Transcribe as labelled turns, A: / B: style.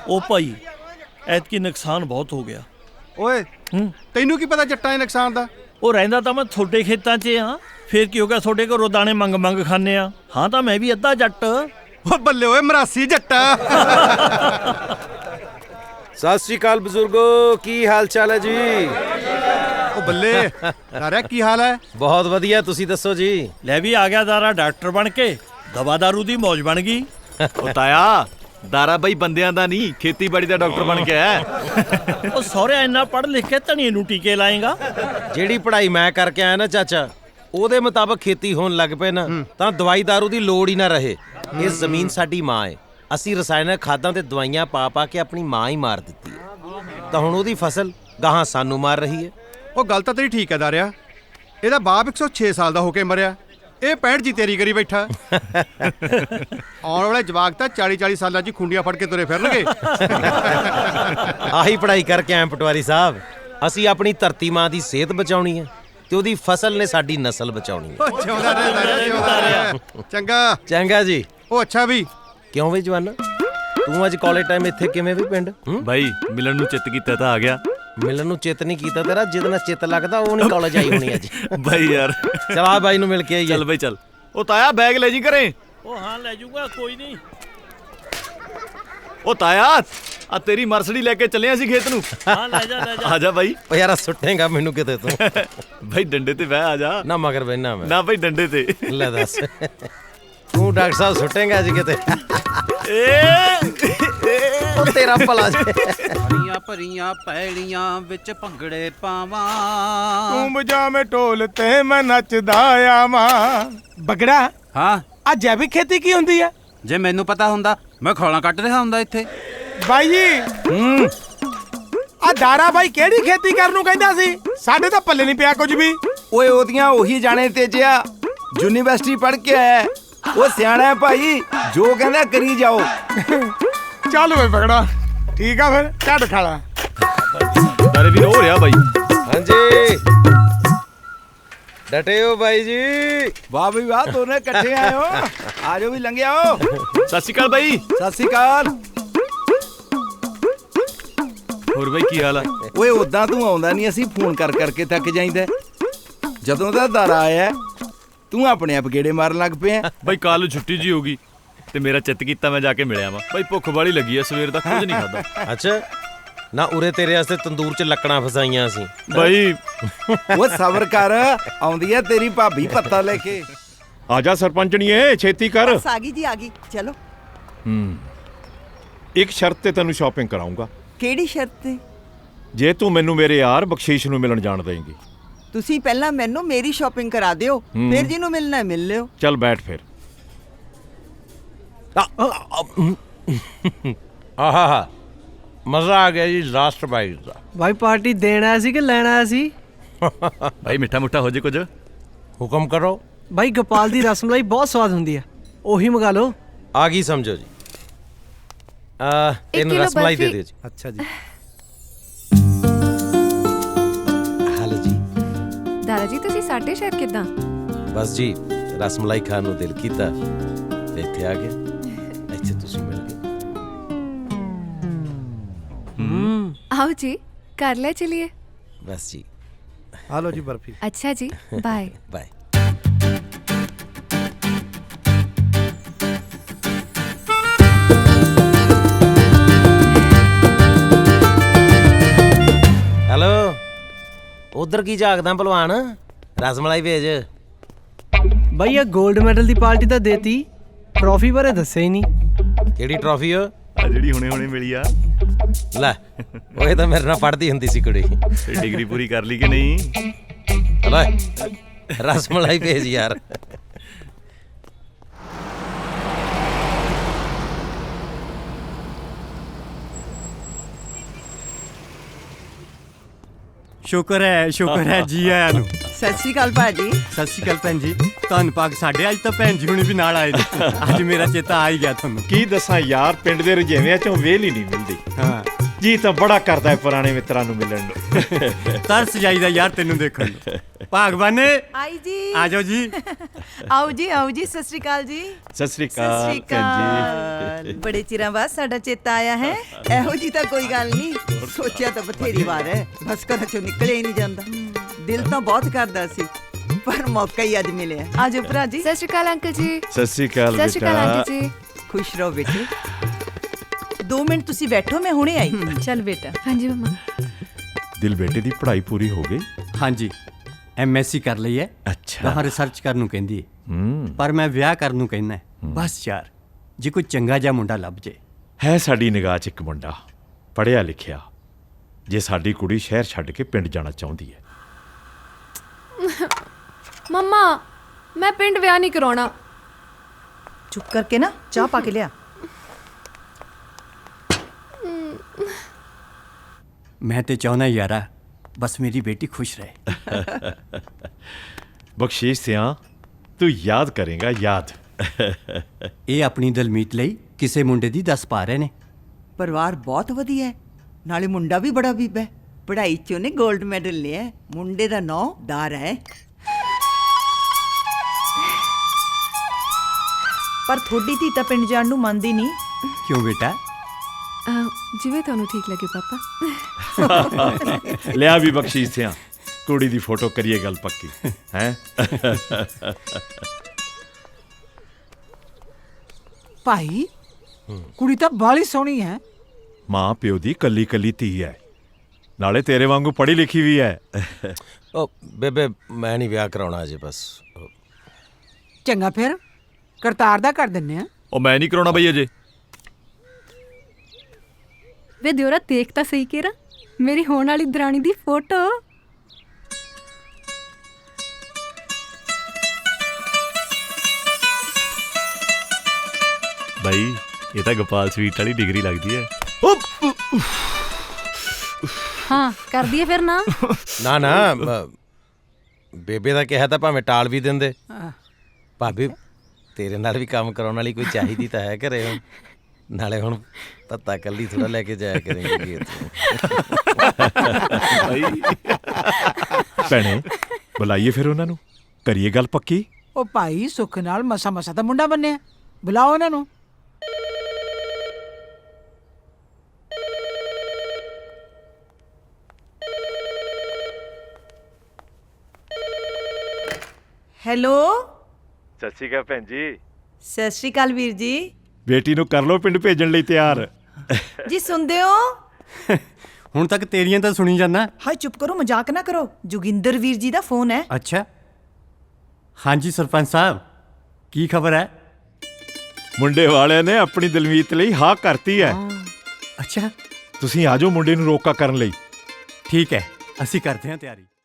A: ਉਹ ਭਾਈ ਐਤਕੀ ਨੁਕਸਾਨ ਬਹੁਤ ਹੋ ਗਿਆ।
B: ਓਏ ਤੈਨੂੰ ਕੀ ਪਤਾ ਜੱਟਾਂ ਦੇ ਨੁਕਸਾਨ ਦਾ?
A: ਉਹ ਰਹਿੰਦਾ ਤਾਂ ਮੈਂ ਤੁਹਾਡੇ ਖੇਤਾਂ 'ਚ ਹਾਂ, ਫੇਰ ਕੀ ਹੋ ਗਿਆ? ਤੁਹਾਡੇ ਘਰੋਂ ਦਾਣੇ ਮੰਗ ਖਾਂਦੇ ਆ। ਹਾਂ ਤਾਂ ਮੈਂ ਵੀ ਅੱਧਾ ਜੱਟ।
B: ਓ ਬੱਲੇ ਓਏ ਮਰਾਸੀ ਜੱਟਾ।
C: ਸਤਿ ਸ਼੍ਰੀ ਅਕਾਲ ਬਜ਼ੁਰਗੋ, ਕੀ ਹਾਲ ਚਾਲ ਹੈ ਜੀ?
B: ਓ ਬੱਲੇ ਦਾਰਿਆ ਕੀ ਹਾਲ ਹੈ?
C: ਬਹੁਤ ਵਧੀਆ, ਤੁਸੀਂ ਦੱਸੋ ਜੀ?
A: ਲੈ ਵੀ ਆ ਗਿਆ ਦਾਰਾ ਡਾਕਟਰ ਬਣ ਕੇ, ਦਵਾ ਦਾਰੂ ਦੀ ਮੌਜ ਬਣ ਗਈ।
D: ਉਹ ਤਾਇਆ ਦਾਰਾ ਬਈ ਬੰਦਿਆਂ ਦਾ ਨਹੀਂ, ਖੇਤੀਬਾੜੀ ਦਾ ਡਾਕਟਰ ਬਣ ਕੇ ਆਇਆ।
A: ਉਹ ਸਹੁਰਿਆ ਇੰਨਾ ਪੜ੍ਹ ਲਿਖ ਕੇ ਧਨੀਏ ਨੂੰ ਟੀਕੇ ਲਾਏਗਾ।
C: ਜਿਹੜੀ ਪੜ੍ਹਾਈ ਮੈਂ ਕਰਕੇ ਆਇਆ ਨਾ ਚਾਚਾ, ਉਹਦੇ ਮੁਤਾਬਕ ਖੇਤੀ ਹੋਣ ਲੱਗ ਪਏ ਨਾ ਤਾਂ ਦਵਾਈ ਦਾਰੂ ਦੀ ਲੋੜ ਹੀ ਨਾ ਰਹੇ। ਇਹ ਜ਼ਮੀਨ ਸਾਡੀ ਮਾਂ ਹੈ, ਅਸੀਂ ਰਸਾਇਣਕ ਖਾਦਾਂ ਤੇ ਦਵਾਈਆਂ ਪਾ ਕੇ ਆਪਣੀ ਮਾਂ ਹੀ ਮਾਰ ਦਿੱਤੀ ਹੈ, ਤਾਂ ਹੁਣ ਉਹਦੀ ਫਸਲ ਗਾਹਾਂ ਸਾਨੂੰ ਮਾਰ ਰਹੀ ਹੈ।
B: ਉਹ ਗੱਲ ਤਾਂ ਤੇਰੀ ਠੀਕ ਹੈ ਦਾਰਿਆ, ਇਹਦਾ ਬਾਪ 106 ਸਾਲ ਦਾ ਹੋ ਕੇ ਮਰਿਆ, ਇਹ 65 ਜੀ ਤੇਰੀ ਕਰੀ ਬੈਠਾ। ਆਉਣ ਵਾਲੇ ਜਵਾਕ ਤਾਂ 40-40 ਸਾਲਾਂ 'ਚ ਖੁੰਡੀਆਂ ਫੜ ਕੇ ਤੁਰੇ ਫਿਰਨਗੇ।
C: ਆਹੀ ਪੜ੍ਹਾਈ ਕਰਕੇ ਆਏ ਪਟਵਾਰੀ ਸਾਹਿਬ। ਅਸੀਂ ਆਪਣੀ ਧਰਤੀ ਮਾਂ ਦੀ ਸਿਹਤ ਬਚਾਉਣੀ ਹੈ ਤੇ ਉਹਦੀ ਫਸਲ ਨੇ ਸਾਡੀ ਨਸਲ ਬਚਾਉਣੀ ਹੈ।
B: ਜਿਉਂਦਾ ਰਹਿ ਦਾਰਿਆ, ਜਿਉਂਦਾ ਰਹਿ। ਚੰਗਾ
C: ਚੰਗਾ ਜੀ।
B: ਉਹ ਅੱਛਾ ਵੀ
C: ਕਿਉਂ ਵੇ ਜਵਾਨਾ, ਤੂੰ ਅੱਜ ਕਾਲਜ ਟਾਈਮ ਇੱਥੇ ਕਿਵੇਂ ਵੀ ਪਿੰਡ?
D: ਬਾਈ ਮਿਲਣ ਨੂੰ ਚਿੱਤ ਕੀਤਾ ਤਾਂ ਆ ਗਿਆ।
C: ਮਿਲਣ ਨੂੰ ਚਿੱਤ ਨਹੀਂ ਕੀਤਾ ਤੇਰਾ, ਜਿਹਦੇ ਨਾਲ ਚਿੱਤ ਲੱਗਦਾ ਉਹ ਨਹੀਂ ਕਾਲਜ ਆਈ ਹੋਣੀ ਅੱਜ।
D: ਬਾਈ ਯਾਰ
C: ਚਲ ਆ ਬਾਈ ਨੂੰ ਮਿਲ ਕੇ ਆਈਏ।
D: ਚੱਲ ਬਾਈ ਚੱਲ। ਉਹ ਤਾਇਆ ਬੈਗ ਲੈ ਜੀ ਘਰੇ।
A: ਉਹ ਹਾਂ ਲੈ ਜਾਊਗਾ, ਕੋਈ ਨਹੀਂ।
D: ਉਹ ਤਾਇਆ ਆ ਤੇਰੀ ਮਰਸਡੀ ਲੈ ਕੇ ਚੱਲੇ ਅਸੀਂ ਖੇਤ ਨੂੰ।
A: ਹਾਂ ਲੈ ਜਾ
D: ਆ ਜਾ ਬਾਈ।
C: ਓ ਯਾਰ ਸੁੱਟੇਗਾ ਮੈਨੂੰ ਕਿਤੇ ਤੂੰ।
D: ਬਾਈ ਡੰਡੇ ਤੇ ਬਹਿ, ਆ ਜਾ।
C: ਨਾ ਮਗਰ ਬੈਨਾ ਮੈਂ
D: ਨਾ ਬਾਈ ਡੰਡੇ ਤੇ।
C: ਲੈ ਦੱਸ, ਤੂੰ ਡਾਕਟਰ ਸਾਹਿਬ ਸੁੱਟੇਗਾ ਅੱਜ ਕਿਤੇ? ਉਹ ਤੇਰਾ ਭਲਾ ਜੇ।
E: ਭਰੀਆਂ ਭਰੀਆਂ ਪੈਲੀਆਂ ਵਿੱਚ ਭੰਗੜੇ ਪਾਵਾਂ,
F: ਤੂੰ ਵਜਾਵੇਂ ਢੋਲ ਤੇ ਮੈਂ ਨੱਚਦਾ ਆਵਾਂ। ਬਗੜਾ,
E: ਹਾਂ
F: ਆ ਜੈਵਿਕ ਖੇਤੀ ਕੀ ਹੁੰਦੀ ਆ?
E: ਜੇ ਮੈਨੂੰ ਪਤਾ ਹੁੰਦਾ ਮੈਂ ਖੋਲਾਂ ਕੱਢ ਰਿਹਾ ਹੁੰਦਾ ਇੱਥੇ।
F: ਬਾਈ ਜੀ ਆ ਦਾਰਾ ਬਾਈ ਕਿਹੜੀ ਖੇਤੀ ਕਰਨ ਨੂੰ ਕਹਿੰਦਾ ਸੀ? ਸਾਡੇ ਤਾਂ ਪੱਲੇ ਨਹੀਂ ਪਿਆ ਕੁਝ ਵੀ।
G: ਓਏ ਉਹਦੀਆਂ ਉਹੀ ਜਾਣੇ ਤੇ ਜਿਆ ਯੂਨੀਵਰਸਿਟੀ ਪੜ੍ਹ ਕੇ ਆਇਆ, ਉਹ ਸਿਆਣਾ ਹੈ ਭਾਈ, ਜੋ ਕਹਿੰਦਾ ਕਰੀ ਜਾਓ।
F: ਚੱਲ ਵੇ ਬਗੜਾ, ਠੀਕ ਆ ਫਿਰ ਝੱਡ ਖਾਲਾ।
D: ਤਾਰੇ ਵੀ ਹੋ ਰਿਹਾ ਬਾਈ।
C: ਹਾਂਜੀ ਡਟੇ ਹੋ ਬਾਈ ਜੀ।
G: ਵਾਹ ਬਈ ਵਾਹ, ਦੋਨੇ ਇਕੱਠੇ ਆਏ ਹੋ। ਆ ਜਾਓ ਵੀ ਲੰਘ ਆਓ।
D: ਸਤਿ ਸ਼੍ਰੀ ਅਕਾਲ ਬਾਈ।
G: ਸਤਿ ਸ਼੍ਰੀ ਅਕਾਲ।
D: ਹੋਰ ਬਾਈ ਕੀ ਹਾਲ ਆ?
G: ਓਏ ਉਦਾਂ ਤੂੰ ਆਉਂਦਾ ਨਹੀਂ, ਅਸੀਂ ਫੋਨ ਕਰਕੇ ਥੱਕ ਜਾਈਦਾ। ਜਦੋਂ ਦਾ ਦਾਰਾ ਆਇਆ ਤੂੰ ਆਪਣੇ ਆਪ ਗੇੜੇ ਮਾਰਨ ਲੱਗ ਪਿਆ।
D: ਬਾਈ ਕੱਲ ਛੁੱਟੀ ਜੀ ਹੋ ਗਈ ਤੇ ਮੇਰਾ ਚਿੱਤ ਕੀਤਾ ਮੈਂ ਜਾ ਕੇ ਮਿਲਿਆ ਵਾਂ। ਬਾਈ ਭੁੱਖ ਵਾਲੀ ਲੱਗੀ ਆ, ਸਵੇਰ ਦਾ ਕੁਝ ਨਹੀਂ ਖਾਦਾ।
C: ਅੱਛਾ ਨਾ, ਉਰੇ ਤੇਰੇ ਵਾਸਤੇ ਤੰਦੂਰ 'ਚ ਲੱਕੜਾਂ ਫਸਾਈਆਂ ਸੀ।
D: ਬਾਈ
G: ਉਹ ਸਬਰ ਕਰ, ਆਉਂਦੀ ਹੈ ਤੇਰੀ ਭਾਬੀ ਪੱਤਾ ਲੈ ਕੇ।
H: ਆ ਜਾ ਸਰਪੰਚਣੀਏ, ਛੇਤੀ ਕਰ।
I: ਬਸ ਆ ਗਈ ਜੀ, ਆ ਗਈ। ਚਲੋ।
H: ਇੱਕ ਸ਼ਰਤ ਤੇ ਤੈਨੂੰ ਸ਼ਾਪਿੰਗ ਕਰਾਉਂਗਾ।
I: ਕਿਹੜੀ ਸ਼ਰਤ ਤੇ?
H: ਜੇ ਤੂੰ ਮੈਨੂੰ ਮੇਰੇ ਯਾਰ ਬਖਸ਼ੀਸ਼ ਨੂੰ ਮਿਲਣ ਜਾਣ ਦੇਂਗੀ।
I: ਤੁਸੀਂ ਪਹਿਲਾਂ ਮੈਨੂੰ ਮੇਰੀ ਸ਼ਾਪਿੰਗ ਕਰਾ ਦਿਓ, ਫਿਰ ਜਿਹਨੂੰ ਮਿਲਣਾ ਮਿਲ ਲਿਓ।
H: ਚੱਲ ਬੈਠ ਫਿਰ।
C: ਆਹਾ ਮਜ਼ਾ ਆ ਗਿਆ ਜੀ ਲਾਸਟ ਬਾਈਟ ਦਾ।
J: ਭਾਈ ਪਾਰਟੀ ਦੇਣ ਆਇਆ ਸੀ ਕਿ ਲੈਣ ਆਇਆ ਸੀ?
D: ਬਾਈ ਮਿੱਠਾ ਮੁੱਠਾ ਹੋ ਜੇ ਕੁਝ।
C: ਹੁਕਮ ਕਰੋ।
J: ਭਾਈ ਗੋਪਾਲ ਦੀ ਰਸਮਲਾਈ ਬਹੁਤ ਸਵਾਦ ਹੁੰਦੀ ਆ, ਉਹੀ ਮੰਗਾ ਲਓ।
C: ਆ ਗਈ ਸਮਝੋ ਜੀ। ਇਹਨੂੰ ਰਸਮਲਾਈ ਦੇ ਦਿਓ ਜੀ।
G: ਅੱਛਾ ਜੀ।
C: ਹਾਲੋ ਜੀ।
K: ਦਾਦਾ ਜੀ ਤੁਸੀਂ ਸਾਡੇ ਸ਼ਹਿਰ ਕਿੱਦਾਂ?
C: ਬਸ ਜੀ ਰਸਮਲਾਈ ਖਾਣ ਨੂੰ ਦਿਲ ਕੀਤਾ ਤੇ ਇੱਥੇ ਆ ਗਏ। ਇੱਥੇ ਤੁਸੀਂ ਮਿਲ ਗਏ।
K: आओ जी, कर ले चलिए।
C: बस जी।
G: हालो जी बर्फी।
K: अच्छा जी, बाय
C: बाय। हेलो, उधर की जागदा भलवान? रसमलाई भेज।
J: भाई ये गोल्ड मेडल दी पार्टी तो देती, ट्रॉफी बारे दस्से ही नहीं।
C: केड़ी ट्रॉफी हो?
D: ਆ ਜਿਹੜੀ ਹੁਣੇ ਮਿਲੀ ਆ।
C: ਲੈ ਉਹ ਤਾਂ ਮੇਰੇ ਨਾਲ ਪੜ੍ਹਦੀ ਹੁੰਦੀ ਸੀ ਕੁੜੀ।
D: ਤੇ ਡਿਗਰੀ ਪੂਰੀ ਕਰ ਲਈ ਕਿ ਨਹੀਂ?
C: ਹਲੋ ਰਸਮਲਾਈ ਭੇਜ ਯਾਰ।
B: ਸ਼ੁਕਰ ਹੈ ਜੀ ਆਇਆਂ ਨੂੰ।
I: ਸਤਿ ਸ਼੍ਰੀ ਅਕਾਲ ਭਾਜੀ।
B: ਸਤਿ ਸ਼੍ਰੀ ਅਕਾਲ ਭੈਣ ਜੀ। ਤੁਹਾਨੂੰ ਪਾਕ ਸਾਡੇ ਅੱਜ ਤਾਂ ਭੈਣ ਜੀ ਹੁਣੀ ਵੀ ਨਾਲ ਆਏ ਨੇ। ਅੱਜ ਮੇਰਾ ਚੇਤਾ ਆ ਹੀ ਗਿਆ ਤੁਹਾਨੂੰ।
H: ਕੀ ਦੱਸਾਂ ਯਾਰ, ਪਿੰਡ ਦੇ ਰਜੇਵਿਆਂ ਚੋਂ ਵੇਲ ਹੀ ਨਹੀਂ ਮਿਲਦੀ।
B: ਹਾਂ
H: ਜੀ ਤਾਂ ਬੜਾ ਕਰਦਾ ਹੈ ਪੁਰਾਣੇ ਮਿੱਤਰਾਂ ਨੂੰ ਮਿਲਣ ਨੂੰ।
L: ਤਰਸ ਜਾਈਦਾ ਯਾਰ ਤੈਨੂੰ ਦੇਖਣ ਨੂੰ। ਭਾਗਵਾਨੇ
I: ਆਈ ਜੀ
L: ਆ ਜਾਓ ਜੀ।
I: ਆਓ ਜੀ ਸਤਿ ਸ਼੍ਰੀ ਅਕਾਲ ਜੀ।
H: ਸਤਿ ਸ੍ਰੀ ਅਕਾਲ ਭੈਣ ਜੀ।
I: ਬੜੇ ਚਿਰਾਂ ਬਾਅਦ ਸਾਡਾ ਚੇਤਾ ਆਇਆ ਹੈ। ਇਹੋ ਜੀ ਤਾਂ ਕੋਈ ਗੱਲ ਨਹੀਂ, ਸੋਚਿਆ ਤਾਂ ਬਥੇਰੀ ਵਾਰ ਹੈ, ਬਸ ਘਰਾਂ ਚੋਂ ਨਿਕਲਿਆ ਹੀ ਨਹੀਂ ਜਾਂਦਾ। ਦਿਲ ਤਾਂ ਬਹੁਤ ਕਰਦਾ ਸੀ, ਪਰ ਮੌਕਾ ਹੀ ਅੱਜ ਮਿਲਿਆ। ਆਜੋ ਭਰਾ ਜੀ।
K: ਸਤਿ ਸ਼੍ਰੀ ਅਕਾਲ ਅੰਕਲ ਜੀ।
H: ਸਤਿ ਸ੍ਰੀ ਅਕਾਲ
K: ਸਤਿ ਸ਼੍ਰੀ ਅਕਾਲ ਆਂਟੀ ਜੀ।
I: ਖੁਸ਼ ਰਹੋ ਬੇਟੇ।
M: 2 ਮਿੰਟ ਤੁਸੀਂ ਬੈਠੋ, ਮੈਂ ਹੁਣੇ ਆਈ। ਚੱਲ ਬੇਟਾ।
K: ਹਾਂਜੀ ਮਮਾ।
H: ਦਿਲ ਬੇਟੇ ਦੀ ਪੜ੍ਹਾਈ ਪੂਰੀ ਹੋ ਗਈ?
L: ਹਾਂਜੀ, ਐਮਐਸਸੀ ਕਰ ਲਈ ਹੈ।
H: ਅੱਛਾ।
L: ਗਾਹਾਂ ਰਿਸਰਚ ਕਰਨ ਨੂੰ ਕਹਿੰਦੀ ਹੈ, ਪਰ ਮੈਂ ਵਿਆਹ ਕਰਨ ਨੂੰ ਕਹਿੰਦਾ। ਬਸ ਯਾਰ, ਜੇ ਕੋਈ ਚੰਗਾ ਜਿਹਾ ਮੁੰਡਾ ਲੱਭ ਜੇ।
H: ਹੈ ਸਾਡੀ ਨਿਗਾਹ 'ਚ ਇੱਕ ਮੁੰਡਾ, ਪੜ੍ਹਿਆ ਲਿਖਿਆ, ਜੇ ਸਾਡੀ ਕੁੜੀ ਸ਼ਹਿਰ ਛੱਡ ਕੇ ਪਿੰਡ ਜਾਣਾ ਚਾਹੁੰਦੀ ਹੈ।
K: ਮਮਾ, ਮੈਂ ਪਿੰਡ ਵਿਆਹ ਨਹੀਂ ਕਰਾਉਣਾ।
M: ਚੁੱਪ ਕਰਕੇ ਨਾ ਚਾਹ ਪਾ ਕੇ ਲਿਆ।
L: ਮੈਂ ਤੇ ਚਾਹੁੰਦਾ ਯਾਰਾ, ਬਸ ਮੇਰੀ ਬੇਟੀ ਖੁਸ਼ ਰਹੇ।
H: ਬਖਸ਼ੀਸ਼ ਸਿਆਂ, ਤੂੰ ਯਾਦ ਕਰੇਗਾ, ਯਾਦ।
L: ਇਹ ਆਪਣੀ ਦਲਮੀਤ ਲਈ ਕਿਸੇ ਮੁੰਡੇ ਦੀ ਦੱਸ ਪਾ ਰਹੇ ਨੇ।
I: ਪਰਿਵਾਰ ਬਹੁਤ ਵਧੀਆ ਹੈ, ਨਾਲੇ ਮੁੰਡਾ ਵੀ ਬੜਾ ਬੀਬਾ ਹੈ। ਪੜ੍ਹਾਈ 'ਚ ਉਹਨੇ 골ਡ ਮੈਡਲ ਲਿਆ ਹੈ। ਮੁੰਡੇ ਦਾ ਨਾਂ ਦਾਰਾ ਹੈ।
M: ਪਰ ਥੋੜੀ ਧੀ ਤਾਂ ਪਿੰਡ ਜਾਣ ਨੂੰ ਮੰਨਦੀ ਨਹੀਂ।
L: ਕਿਉਂ ਬੇਟਾ?
K: ਜਿਵੇਂ ਤੁਹਾਨੂੰ ਠੀਕ ਲੱਗੇ ਪਾਪਾ।
H: ਲਿਆ ਵੀ ਬਖਸ਼ੀਸ਼ ਸਿਆਂ, ਕੁੜੀ ਦੀ ਫੋਟੋ ਕਰੀਏ ਗੱਲ ਪੱਕੀ ਹੈ।
J: ਭਾਈ ਕੁੜੀ ਤਾਂ ਬਾਲੀ ਸੋਹਣੀ ਹੈ।
H: ਮਾਂ ਪਿਓ ਦੀ ਕੱਲੀ ਕੱਲੀ ਧੀ ਹੈ, ਨਾਲੇ ਤੇਰੇ ਵਾਂਗੂ ਪੜ੍ਹੀ ਲਿਖੀ ਵੀ ਹੈ।
C: ਉਹ ਬੇਬੇ, ਮੈਂ ਨਹੀਂ ਵਿਆਹ ਕਰਾਉਣਾ ਅਜੇ। ਬਸ
J: ਚੰਗਾ ਫਿਰ ਕਰਤਾਰ ਦਾ ਕਰ ਦਿੰਨੇ ਆ।
D: ਉਹ ਮੈਂ ਨਹੀਂ ਕਰਾਉਣਾ ਬਈ ਅਜੇ।
K: ਵੇ ਦਿਓਰਾ, ਦੇਖ ਤਾਂ ਸਹੀ ਕੇਰਾ ਮੇਰੀ ਹੋਣ ਵਾਲੀ ਦਰਾਣੀ ਦੀ ਫੋਟੋ।
D: ਬਈ ਇਹ ਤਾਂ ਗੋਪਾਲ ਸਵੀਟ ਵਾਲੀ ਡਿਗਰੀ ਲੱਗਦੀ ਹੈ।
K: ਹਾਂ, ਕਰ ਦਈਏ ਫਿਰ ਨਾ।
C: ਨਾ ਬੇਬੇ ਦਾ ਕਿਹਾ ਤਾਂ ਭਾਵੇਂ ਟਾਲ ਵੀ ਦਿੰਦੇ। ਭਾਬੀ, ਤੇਰੇ ਨਾਲ ਵੀ ਕੰਮ ਕਰਾਉਣ ਵਾਲੀ ਕੋਈ ਚਾਹੀਦੀ ਤਾਂ ਹੈ ਘਰੇ। ਹੁਣ ਨਾਲੇ ਹੁਣ ਪਤਾ ਕੱਲੀ ਥੋੜਾ ਲੈ ਕੇ ਜਾਇਆ ਕਰੇਂਗੇ।
H: ਭੈਣੇ, ਬੁਲਾਈਏ ਫਿਰ ਉਹਨਾਂ ਨੂੰ, ਕਰੀਏ ਗੱਲ ਪੱਕੀ।
J: ਉਹ ਭਾਈ ਸੁੱਖ ਨਾਲ ਮਸਾ ਮਸਾ ਦਾ ਮੁੰਡਾ ਬੰਨਿਆ, ਬੁਲਾਓ ਇਹਨਾਂ ਨੂੰ।
M: ਹੈਲੋ।
H: ਸਤਿ ਸ਼੍ਰੀ ਅਕਾਲ ਭੈਣ ਜੀ।
M: ਸਤਿ ਸ਼੍ਰੀ ਅਕਾਲ ਵੀਰ ਜੀ।
H: ਬੇਟੀ ਨੂੰ ਕਰ ਲੋ ਪਿੰਡ ਭੇਜਣ ਲਈ ਤਿਆਰ।
M: ਜੀ ਸੁਣਦੇ ਹੋ?
L: ਹੁਣ ਤੱਕ ਤੇਰੀਆਂ ਤਾਂ ਸੁਣੀ ਜਾਂਦਾ।
M: ਹਾਏ ਚੁੱਪ ਕਰੋ, ਮਜ਼ਾਕ ਨਾ ਕਰੋ। ਜੋਗਿੰਦਰ ਵੀਰ ਜੀ ਦਾ ਫੋਨ ਹੈ।
L: ਅੱਛਾ। ਹਾਂਜੀ ਸਰਪੰਚ ਸਾਹਿਬ, ਕੀ ਖਬਰ ਹੈ?
H: ਮੁੰਡੇ ਵਾਲਿਆਂ ਨੇ ਆਪਣੀ ਦਲਮੀਤ ਲਈ ਹਾਂ ਕਰਤੀ ਹੈ।
L: ਅੱਛਾ,
H: ਤੁਸੀਂ ਆ ਜਾਓ ਮੁੰਡੇ ਨੂੰ ਰੋਕਾ ਕਰਨ ਲਈ।
L: ਠੀਕ ਹੈ, ਅਸੀਂ ਕਰਦੇ ਹਾਂ ਤਿਆਰੀ।